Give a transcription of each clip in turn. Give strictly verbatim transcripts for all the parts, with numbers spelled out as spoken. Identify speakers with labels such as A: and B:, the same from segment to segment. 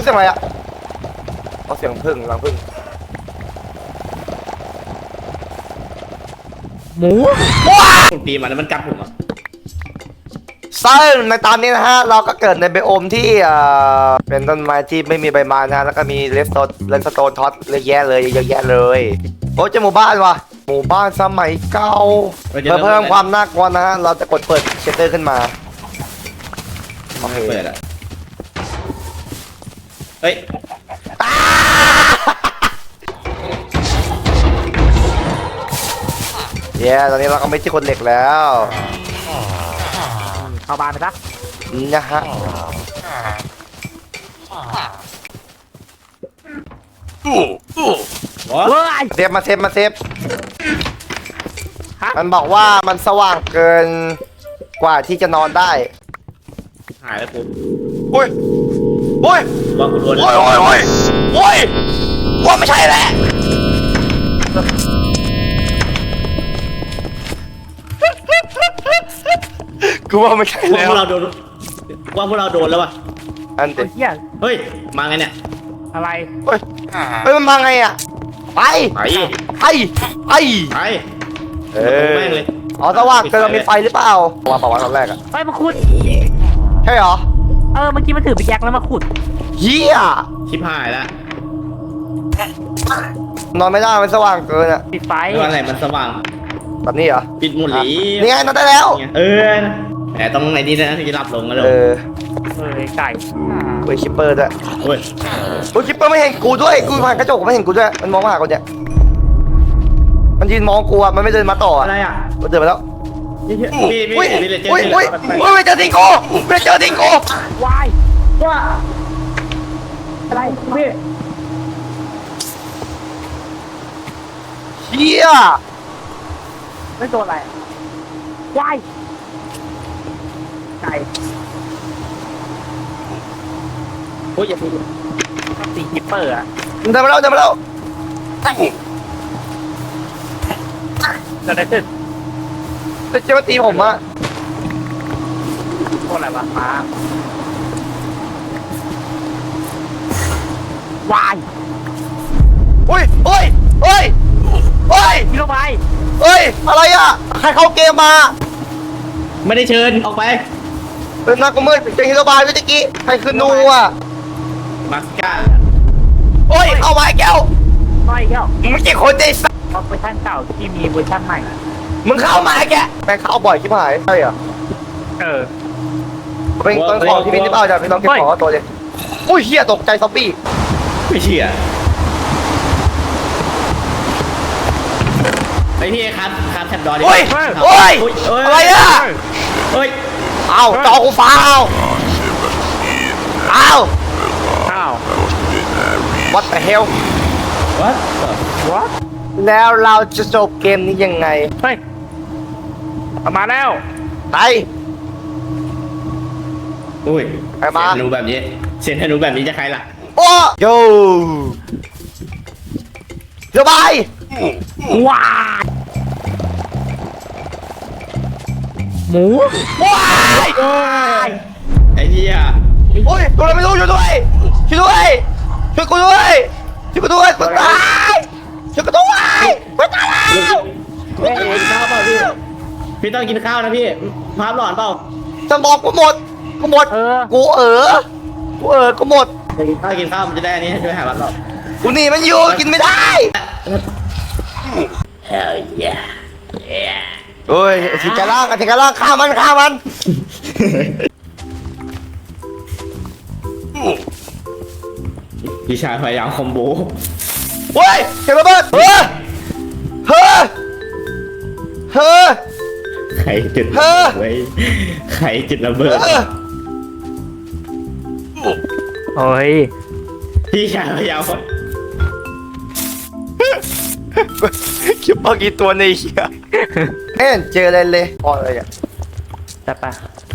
A: รู้สึกอะไรอะเอาเสียงพึ่งรังพึ่งหมูว้า
B: ผมตีมันแล้วมันกัดผมอ่ะ
A: ซึ่งในตอนนี้นะฮะเราก็เกิดในไบโอมที่เอ่อเป็นต้นไม้ที่ไม่มีใบไม้นะฮะแล้วก็มีเลสโตนเลสโตนท็อตเยอะแยะเลยเยอะแยะเลยโอ้เจอหมู่บ้านว่ะหมู่บ้านสมัยเก่าเพื่อเพิ่มความน่ากลัวนะฮะเราจะกดเปิดเชลเตอร์ขึ้นมาโอเค
B: เปิดอ่ะเฮ้ย
A: เย้ตอนนี้เราก็ไม่ใช่คนเหล็กแล้ว
C: เข้าบ้านไปซะ
A: นะฮะ
C: เฮ้ย
A: เซฟมาเซฟมาเซฟมันบอกว่ามันสว่างเกินกว่าที่จะนอนได้
B: หายแล้วปุ๊บ
A: อุ้ยอุ้ย
B: ว่าคุณรวน
A: โอ้ยโอ้ยโอ้ยโอ้ยว่าไม่ใช่แหละกูว่าไม่ใช่
B: ว่า
A: แล้ว
B: พวกเราโดนว่าพวกเราโดนแล้ววะ
A: อันเด็ด
C: เฮีย
B: เฮ้ยมาไงเนี่ย
C: อะไร
A: เฮ้ยเฮ้ยมันมาไงอ่ะไป
B: ไป
A: ไปไป
B: ไป
A: เออ
B: แม่งเลย
A: อ๋อสว่างเกินมีไฟหรือเปล่าว่าเปล่าวะตอนแรกอ่ะ
C: เฮ้ยมาขุด
A: ใช่เหรอ
C: เออเมื่อกี้มันถือไปแจ็คแล้วมาขุด
A: เฮีย
B: ชิบหายแล้ว
A: นอนไม่ได้มันสว่างเกินอ่ะ
C: ปิดไฟ
B: วันไหนมันสว่าง
A: แบบนี้เหรอ
B: ปิดหมุนหลี
A: นี่ไงนอนได้แล้ว
B: เออแต่ต้องในนี้นะถึงจะหลับลงกันเลย
A: เออ
C: เออไก่
A: เว้ยคิปเปอร์ด้วย
B: โอ้ย
A: โอ้ยคิปเปอร์ไม่เห็นกูด้วยกูผ่านกระจกไม่เห็นกูด้วยมันมองมาหากูเนี่ยมันยืนมองกูอ่ะมันไม่เดินมาต่ออ่ะ
B: อะไรอ่ะ
A: มันเดินมาแล้ว
B: พี่พี่
A: อุ้ย
B: พี่เลยเจอ
A: อุ้ย
B: ที่
A: อุ้ยอุ้ยไม่เจอทิงโก้ไม่เจอทิงโก้
C: วายว่าอะไรพี่
A: เฮีย
C: ไม่โดนอะไรวายไก่โอ้ยอย่าพูดตีกิปเปอร์อะ
A: เดินมาแล้วเดินมาแล้ว
C: จะได้ขึ้น
A: จะจะมาตีผมอ่ะ
C: โทษอะไรวะมาวาย
A: อุ้ยอุ้ยอุ้ยอุ้ย
C: พี่ลงไป
A: เฮ้ยอะไรอ่ะใครเข้าเกมมา
B: ไม่ได้เชิญออกไป
A: เป็นนักมืดเจอฮิโรบายเมื่อกี้ใครคือนูอ่ะ
B: มาสก้า
A: โอ้ยเข้ามาแก้ว
C: น้อยแก้ว
A: มึงไม่ใช่คนใจสัส
C: เวอร์ชันเก่าที่มีเวอร์ชันใหม่
A: มึงเข้ามาแกแม่งเข้าบ่อยชิบหายใช่เหรอ
C: เออ
A: เป็นต้นของที่พี่นิพเอาจากพี่น้องเก็บของตัวเลยอุ้ยเฮียตกใจซอมบี้
B: ไม่เชื่อไอพี่ครับครับแท็บดอดิ
A: โอ้ยโอ้ยอะไรอ่ะ
B: เฮ้ย
A: เอาจอกูฟ้าเอาเอา
C: อ้าว
A: What the hell
B: what
C: what
A: แล้วเราจะจบเกมนี้ยังไง
C: เฮ้ยมาแล้ว
A: ไป
B: อุ้ย
A: ไปมา
B: เสียงธนูแบบนี้เสียงธนูแบบนี้จะใครล่ะ
A: โอ้โยสบาย
C: ว้าหมู
A: ว้าย
B: ไอ้เหี้ย
A: โอ้ยตัวอะไรไม่รู้ช่วยด้วยช่วยด้วยช่วยกูด้วยช่วยกูด้วยกูตายช่วยกูด้วยกูตายแล้ว
B: พี่ต้องกินข้าวเปล่าพี่พี่ต้องกินข้าวนะพี่ภาพหลอนเปล่า
A: สมองกูหมดกูหมด
C: เออ
A: กูเออกูเออกูหมด
B: กินข้าวกินข้าวมันจะได้อันนี้ช่วยหาภาพหลอน
A: กูหนีมันอยู่กินไม่ได้
B: Hell yeah
A: เฮ้ยสิกาล่างสิกาล่างฆ่ามันฆ่ามัน
B: พี่ชายพยายามคอมโบ
A: เฮ้ยเก็บระเบิดเฮ้ยเฮ้ยเฮ้ย
B: ใครจุด
A: เฮ้อ
B: ไว้ใครจุดระเบิด
C: โอ้ย
B: พี่ชายพยายาม
A: คิดว่ากี่ตัวในเหี้ยเอ็นเจออะไรเลยพอเลยอ่ะ
C: แต่ปะ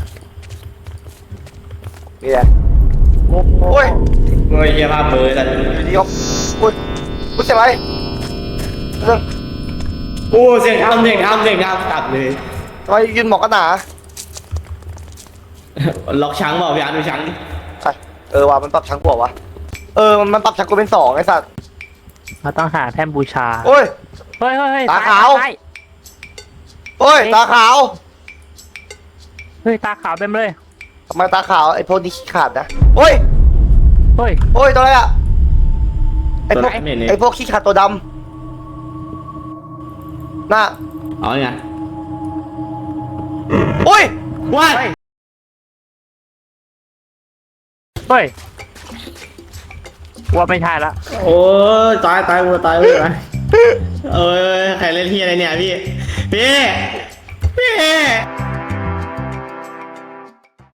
A: นี่แหละ
C: โอ้
A: โอ้ย
B: เงยเยี่ยภาพเบอร์แต่
A: ดีครับโอ้ยกูเสียไหมเรื่อง
B: โอ้เสียงทำเสียงทำเสียงทำตัดเลย
A: ทำไมยืนหมอกกันหนา
B: ล็อกช้างเปล่าพี่อาร์ตดูช้าง
A: ใช่เออว่ะมันปรับชั้งกว่าวะเออมันปรับจากกูเป็นสองไอ้สัตว์
D: เราต้องหาแท่นบูชา
A: โอ้ย
D: เฮ้ยเฮ้ยเฮ้ย
A: ตา
D: ซ้ย
A: ขาว
D: ซ้ย
A: โอ้ยตาขาว
D: เฮ้ยตาขาวเต็มเลย
A: ทำไมตาขาวไอ้พวกนี้ขี้ขาดนะโอ้ย
D: เฮ้ย
A: โอ้ยตัวอะไรอะไอ้พวก
B: ตัวไหนเนี่ย
A: ไอ้พวกขี้ขาดตัวดำน่ะ
B: เอาไง
A: โอ้ย
B: ว้าย
D: เฮ้ยว่าไม่ใช่ละ
B: โอ้ยตายตายกูตายเลยเอ้ยใครเล่นที่อะไรเนี่ยพี่พี่พี่